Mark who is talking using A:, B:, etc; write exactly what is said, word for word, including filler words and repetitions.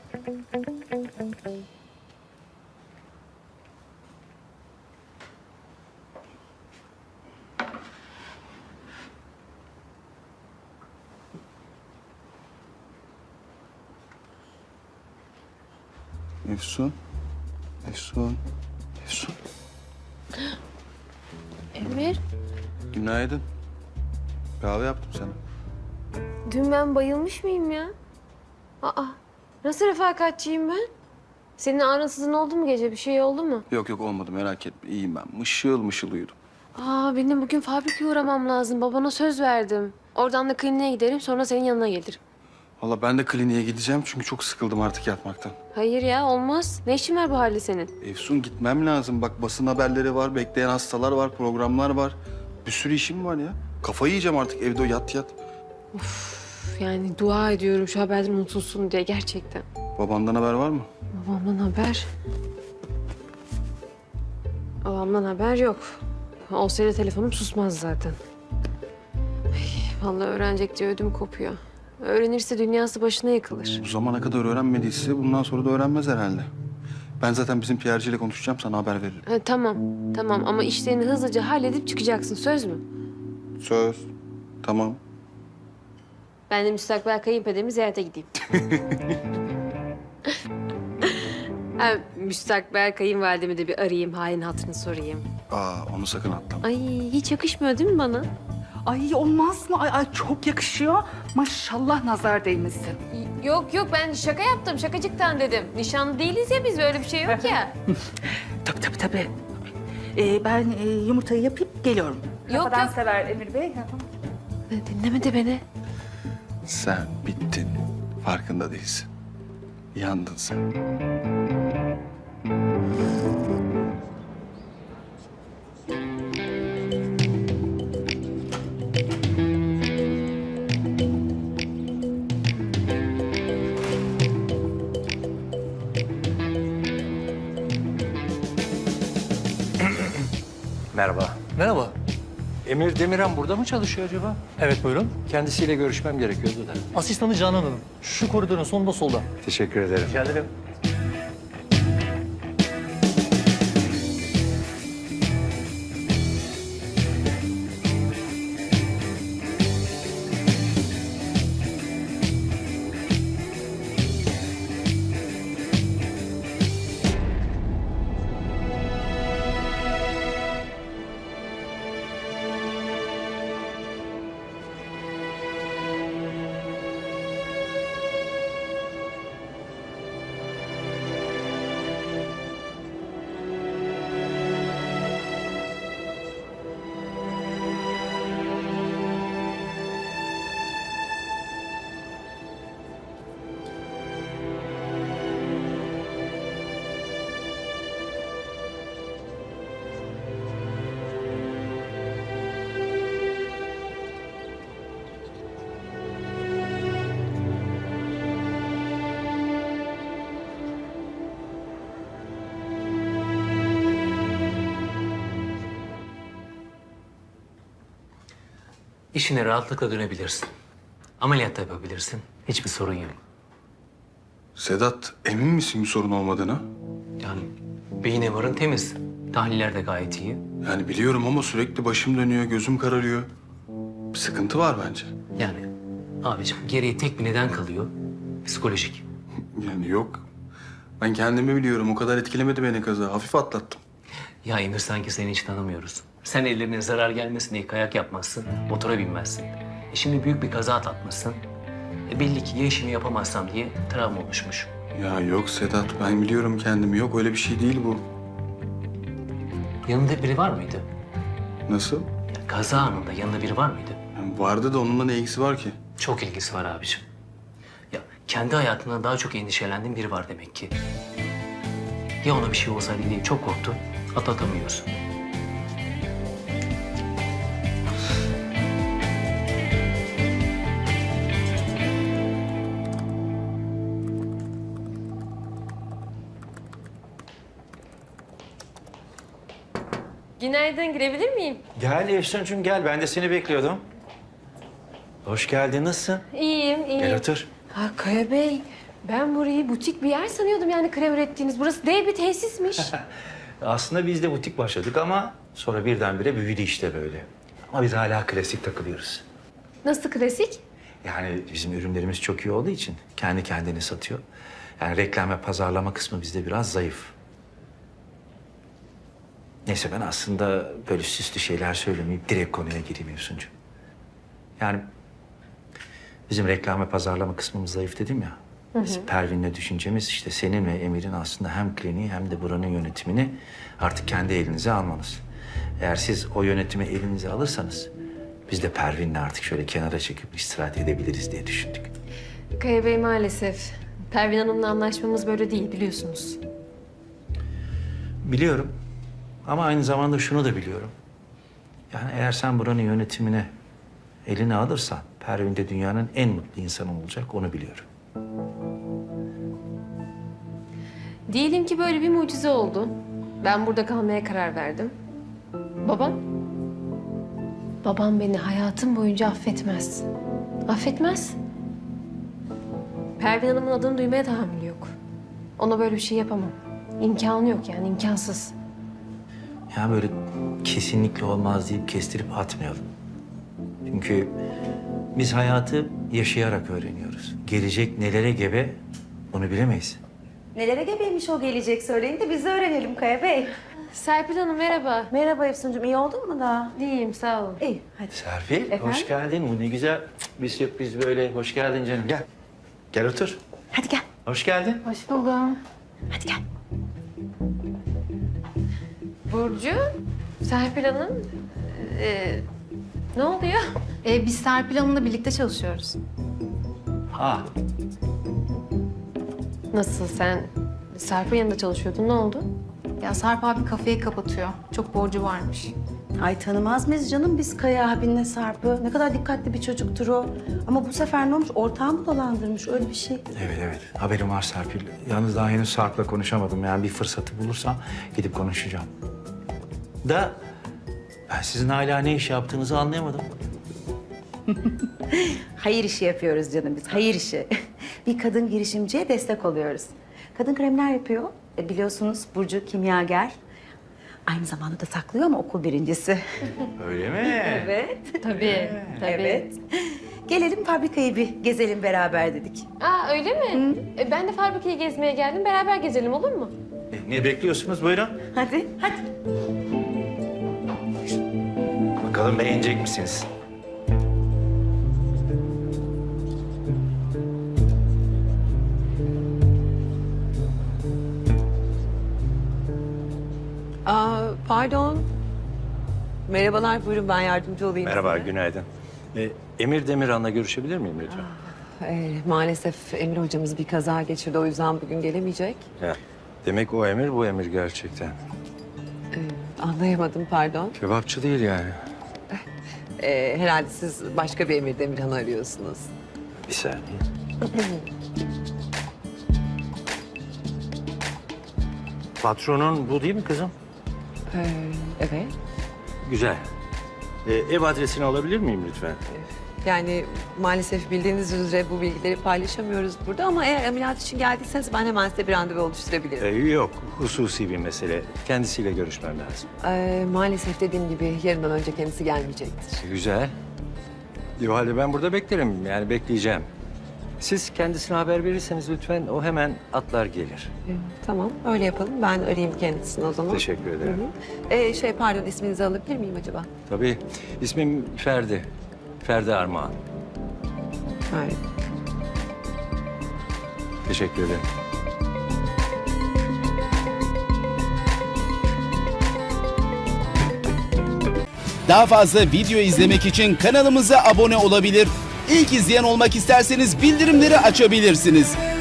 A: Efsun. Efsun. Efsun.
B: Emir,
A: Günaydın. Kahve yaptım sana.
B: dün ben bayılmış mıyım ya? Aa, nasıl refakatçiyim ben? Senin ağrınsızın oldu mu gece? Bir şey oldu mu?
A: Yok yok olmadı merak etme. İyiyim ben. Mışıl mışıl uyudum.
B: Aa, benim bugün fabrikaya uğramam lazım. Babana söz verdim. Oradan da kliniğe giderim, sonra senin yanına gelirim.
A: Valla ben de kliniğe gideceğim çünkü çok sıkıldım artık yatmaktan.
B: Hayır ya, olmaz. Ne işin var bu halde senin?
A: Efsun gitmem lazım. Bak basın haberleri var, bekleyen hastalar var, programlar var. Bir sürü işim var ya. Kafayı yiyeceğim artık evde yat yat.
B: Üf, yani dua ediyorum şu haberden unutulsun diye gerçekten.
A: Babandan haber var mı?
B: Babamdan haber... Babamdan haber yok. Olsaydı telefonum susmaz zaten. Ay, vallahi öğrenecek diye ödüm kopuyor. Öğrenirse dünyası başına yıkılır.
A: Bu zamana kadar öğrenmediyse bundan sonra da öğrenmez herhalde. Ben zaten bizim P R'ciyle konuşacağım, sana haber veririm.
B: Ha, tamam, tamam ama işlerini hızlıca halledip çıkacaksın, söz mü?
A: Söz. Tamam.
B: Ben de müstakbel kayınpederimi ziyarete gideyim. Ha, müstakbel kayınvalidemi de bir arayayım, halini hatırını sorayım.
A: Aa onu sakın atlama.
B: Ay, hiç yakışmıyor değil mi bana?
C: Ay olmaz mı? Ay, ay çok yakışıyor. Maşallah nazar değmesin.
B: Yok yok, ben şaka yaptım, şakacıktan dedim. Nişanlı değiliz ya biz, öyle bir şey yok ya.
C: Tabii tabii tabii. Ee, ben e, yumurtayı yapıp geliyorum.
B: Yok,
C: Kafadan
B: yok.
C: sever Emir Bey.
B: Dinlemedi beni.
A: Sen bittin. Farkında değilsin. Yandın sen.
D: Merhaba.
E: Merhaba.
D: Emir Demirhan burada mı çalışıyor acaba?
E: Evet buyurun.
D: Kendisiyle görüşmem gerekiyordu da.
E: Asistanı Canan Hanım. Şu koridorun sonunda solda.
D: Teşekkür ederim.
E: Rica ederim.
F: İşine rahatlıkla dönebilirsin. Ameliyat da yapabilirsin. Hiçbir sorun yok.
A: Sedat emin misin bir sorun olmadığına?
F: Yani beyin M R'ın temiz. Tahliller de gayet iyi.
A: Yani biliyorum ama sürekli başım dönüyor, gözüm kararıyor. Bir sıkıntı var bence.
F: Yani abicim geriye tek bir neden kalıyor. Psikolojik.
A: Yani yok. Ben kendimi biliyorum. O kadar etkilemedi beni kaza. Hafif atlattım.
F: Ya Emir sanki seni hiç tanımıyoruz. Sen ellerine zarar gelmesin diye kayak yapmazsın, motora binmezsin. E şimdi büyük bir kaza atlatmışsın. E belli ki ya işimi yapamazsam diye travma oluşmuş.
A: Ya yok Sedat. Ben biliyorum kendimi. Yok öyle bir şey değil bu.
F: Yanında biri var mıydı?
A: Nasıl?
F: Ya kaza anında yanında biri var mıydı?
A: Yani vardı da onunla ne ilgisi var ki?
F: Çok ilgisi var abiciğim. Ya kendi hayatından daha çok endişelendiğin biri var demek ki. Ya ona bir şey olsaydı diye çok korktun, atlatamıyorsun.
B: Günaydın, girebilir miyim?
D: Gel Efsuncuğum gel. Ben de seni bekliyordum. Hoş geldin. Nasılsın?
B: İyiyim, iyiyim.
D: Gel otur.
B: Ha, Kaya Bey, Ben burayı butik bir yer sanıyordum yani krem ürettiğiniz. Burası dev bir tesismiş.
D: Aslında biz de butik başladık ama sonra birdenbire büyüdü işte böyle. Ama biz hala klasik takılıyoruz.
B: Nasıl klasik?
D: Yani bizim ürünlerimiz çok iyi olduğu için kendi kendini satıyor. Yani reklam ve pazarlama kısmı bizde biraz zayıf. Neyse ben aslında böyle süslü şeyler söylemeyip direkt konuya gireyim Efsuncuğum. Yani bizim reklam ve pazarlama kısmımız zayıf dedim ya. Biz Pervin'le düşüncemiz işte senin ve Emir'in aslında hem kliniği hem de buranın yönetimini artık kendi elinize almanız. Eğer siz o yönetimi elinize alırsanız biz de Pervin'le artık şöyle kenara çekip istirahat edebiliriz diye düşündük.
B: Kaya Bey maalesef. Pervin Hanım'la anlaşmamız böyle değil biliyorsunuz.
D: Biliyorum ama aynı zamanda şunu da biliyorum. Yani eğer sen buranın yönetimine eline alırsan Pervin de dünyanın en mutlu insanı olacak onu biliyorum.
B: Diyelim ki böyle bir mucize oldu. Ben burada kalmaya karar verdim. Babam? Babam beni hayatım boyunca affetmez. Affetmez. Pervin Hanım'ın adını duymaya tahammülü yok. Ona böyle bir şey yapamam. İmkanı yok yani, imkansız.
D: Ya böyle kesinlikle olmaz deyip kestirip atmayalım. Çünkü biz hayatı yaşayarak öğreniyoruz. Gelecek nelere gebe onu bilemeyiz.
G: Nelere gebeymiş o gelecek söyleyin de biz de öğrenelim Kaya Bey.
B: Serpil Hanım merhaba.
G: Merhaba Efsuncuğum, iyi oldun mu daha?
B: İyiyim, sağ olun.
G: İyi, hadi.
D: Serpil
G: Efendim?
D: hoş geldin. Bu ne güzel bir sürpriz böyle. Hoş geldin canım. Gel. Gel otur.
G: Hadi gel,
D: Hoş geldin.
B: Hoş buldum.
G: hadi gel.
B: Burcu, Serpil Hanım, ee, ne oluyor?
C: Ee, biz Serpil Hanım'la birlikte çalışıyoruz.
D: Ha.
B: Nasıl, sen Serpil yanında çalışıyordun, ne oldu?
C: Ya Sarp abi kafeyi kapatıyor. Çok borcu varmış.
G: Ay tanımaz mıyız canım biz Kaya abinle Sarp'ı? Ne kadar dikkatli bir çocuktur o. Ama bu sefer ne olmuş? Ortağımı dolandırmış, öyle bir şey.
D: Evet evet. Haberim var Serpil. Yalnız daha henüz Sarp'la konuşamadım. Yani bir fırsatı bulursam gidip konuşacağım. Da ben sizin hala ne iş yaptığınızı anlayamadım.
G: Hayır işi yapıyoruz canım biz, hayır işi. Bir kadın girişimciye destek oluyoruz. Kadın kremler yapıyor. E, biliyorsunuz Burcu kimyager. Aynı zamanda da saklıyor ama okul birincisi.
D: Öyle mi?
G: Evet.
B: Tabii, tabii.
G: Evet. Gelelim fabrikayı bir gezelim beraber dedik.
B: Aa öyle mi? E, ben de fabrikayı gezmeye geldim, beraber gezelim olur mu?
D: E, ne bekliyorsunuz? Buyurun.
G: Hadi, hadi.
D: Bakalım beğenecek misiniz?
H: Aa, pardon. Merhabalar, buyurun ben yardımcı olayım
D: Merhaba,
H: size.
D: günaydın. E, Emir Demirhan'la görüşebilir miyim lütfen?
H: Ee, maalesef Emir hocamız bir kaza geçirdi, o yüzden bugün gelemeyecek.
D: Ya, demek o Emir, bu Emir gerçekten.
H: Ee, anlayamadım, pardon.
D: Kebapçı değil yani.
H: Ee, herhalde siz başka bir Emir Demirhan'ı arıyorsunuz.
D: Bir saniye. Patronun bu değil mi kızım?
H: Ee, evet.
D: Güzel. E, ev adresini alabilir miyim lütfen?
H: Yani maalesef bildiğiniz üzere bu bilgileri paylaşamıyoruz burada ama eğer ameliyat için geldiyseniz ben hemen size bir randevu oluşturabilirim.
D: E, yok, hususi bir mesele. Kendisiyle görüşmem lazım.
H: Ee, maalesef dediğim gibi yarından önce kendisi gelmeyecektir.
D: Güzel. O halde ben burada beklerim. Yani bekleyeceğim. Siz kendisine haber verirseniz lütfen o hemen atlar gelir.
H: Ee, tamam, öyle yapalım. Ben arayayım kendisini o zaman.
D: Teşekkür ederim.
H: Ee, şey pardon, isminizi alabilir miyim acaba?
D: Tabii. İsmim Ferdi. Ferdi Armağan.
H: Hayır.
D: Teşekkür ederim.
I: Daha fazla video izlemek için kanalımıza abone olabilir. İlk izleyen olmak isterseniz bildirimleri açabilirsiniz.